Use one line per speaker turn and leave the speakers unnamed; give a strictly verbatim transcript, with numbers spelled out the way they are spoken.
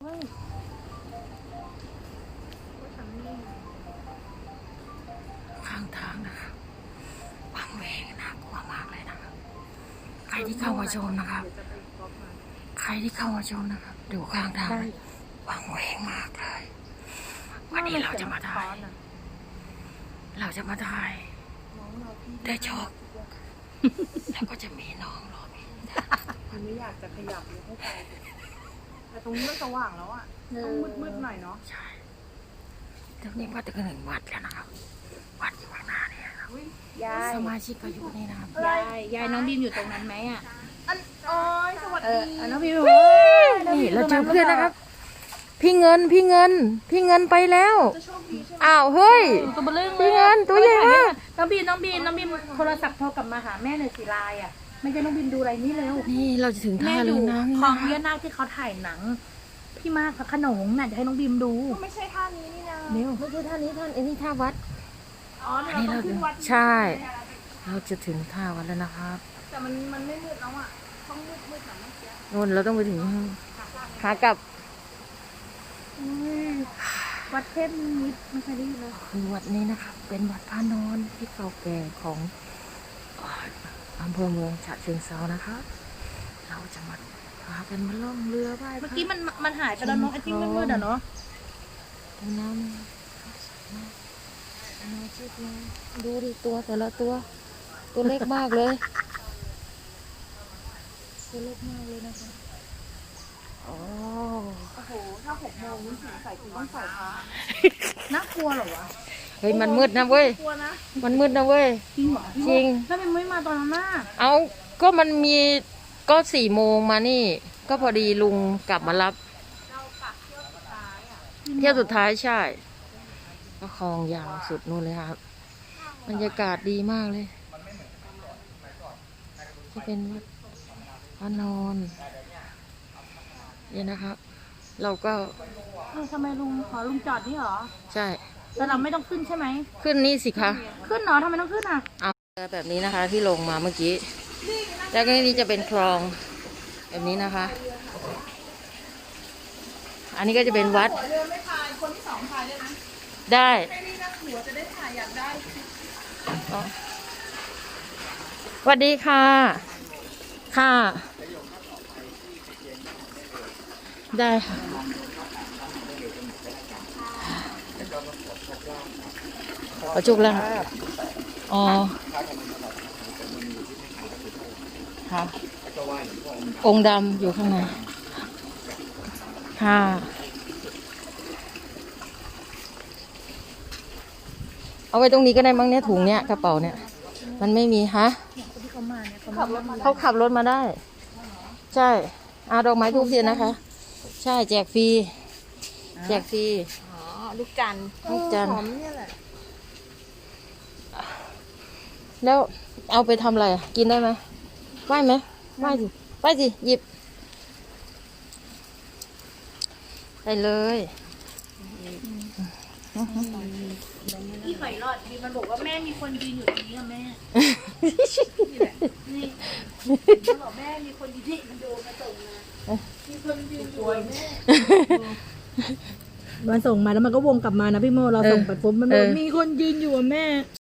ข้างทางนะครับวังเวงน่ากลัวมากเลยนะครับใครที่เข้ามาชมนะครับใครที่เข้ามาชมนะครับดูข้างทางวังเวงมากเลยวันนี้เราจะมาถ่ายเราจะมาถ่ายได้ชอบแล้วก็จะมีน้องรอพี่
มันไม่อยากจะขยับเลยให้ไปแต่ตรงนี้มันสว่างแล้วอ่ะต้องมืดๆหน่อยเนาะ
ใช่ตรงนี้ว่าจะถึงวัดแล้วนะครับวัดอยู่ข้างหน้าเนี่ยครับ
ยาย
สมาชิกก็อยู่นี่นะครับ
ยายยายน้องบีมอยู่ตรงนั้นไหมอ่ะ
อันโอ้ยสวัสดี
น้องบีม
นี่เราเจอเพื่อนนะครับพี่เงินพี่เงินพี่เงินไปแล้วอ้าวเฮ้ย
ตัวเบลล์
พี่เงินตัวใหญ่มาก
น้องบีมน้องบีมน้องบีมโทรศัพท์โทรกลับมาหาแม่เลยสิไลน์อ่ะไม่ใช่น้องบีมดูอะไรนี่เร็ว
นี่เราจะถึงท่าเรือน้
ำคลองเยอะนาคที่เขาถ่ายหนังพี่มากพระขนงน่ะจะให้น้องบีมดู
ไม่ใช่ท่านี้นี่นะ
เร็วไม่ใช่ท่านี้ท่านไอ้นี่ท่าวัด
อ๋ออันนี้เราถึงวัด
ใช่เราจะถึงท่าวัดแล้วนะครับ
แต่มันมันไม่มืดแล้วอ่ะต้องมืดมืดแบบเมื่อกี้
นู่นเราต้องไปถึงหากลับ
วัดเทพนิมิตรไม่เคยได้ยินเลย
คือวัดนี้นะครับเป็นวัดพระนอนที่เก่าแก่ของอำเภอเมืองฉะเชิงเทรานะครับเราจะมาพากันมาล่องเรือไหว้
เมื่อกี้มันมันหายไปแล้วเนาะไอ้ที่มืดๆอ่ะเนาะ
ตรงน้ำมาชิดมาดูดิตัวแต่ละตัวตัวเล็กมากเลยตัวเล็กมากเลยนะคะโอ้
โหถ้าหกโมงนี่ถึงใส่ถุงต้องใส่ผ้า
น่ากลัวเหรอวะ
เฮ้ยมันมืดนะเว้ยมันมืดนะเว้ย
จริงเหรอ
จริง
ถ้ามันไม่มาตอนนั้นน่ะ
เอาก็มันมีก็สี่โมงมานี่ก็พอดีลุงกลับมารับเที่ยวสุดท้ายใช่ก็คลองยาวสุดนู่นเลยครับบรรยากาศดีมากเลยจะเป็นวัดพระนอนเนี่ยนะครับเราก็
ทำไมลุงขอลุงจอดนี่เหรอ
ใช่
แต่เราไม่ต้องขึ้นใช่ไหม
ขึ้นนี่สิคะ
ขึ้นเหรอทำไมต้องขึ้นอ่ะ
เอาแบบนี้นะคะที่ลงมาเมื่อกี้แล้วก็นี่จะเป็นคลองแบบนี้นะคะอันนี้ก็จะเป็นวัดได้สวัสดีค่ะค่ะได้ค่ะขอจุกแล้วอ๋อค่ะองค์ดำอยู่ข้างในค่ะเอาไว้ตรงนี้ก็ได้มั้งเนี่ยถุงเนี้ยกระเป๋าเนี่ยมันไม่มีฮะเขาขับรถมาได้ใช่อาดอกไม้ทูบเทียนนะคะใช่แจกฟรีแจกฟรี
อ๋อลูกจันทร์
ลูกจันทร์
เนี่ยแหละ
แล้วเอาไปทำอะไรกินได้ไหมไหวไหมไหวสิไหวสิหยิบได้เลย
พี่หอยหลอดดีมันบอกว่าแม่มีคนยืนอยู่ตรงนี้อะแม่นี่แหละนี่มันบอกแม่มีคนยืนที่มันโดนมาส่งมามีคนยืนอยู่แม่มันส่งมาแล้วมันก็วงกลับมานะพี่โมเราส่งไปปุ๊บมันบอกมีคนยืนอยู่อะแม่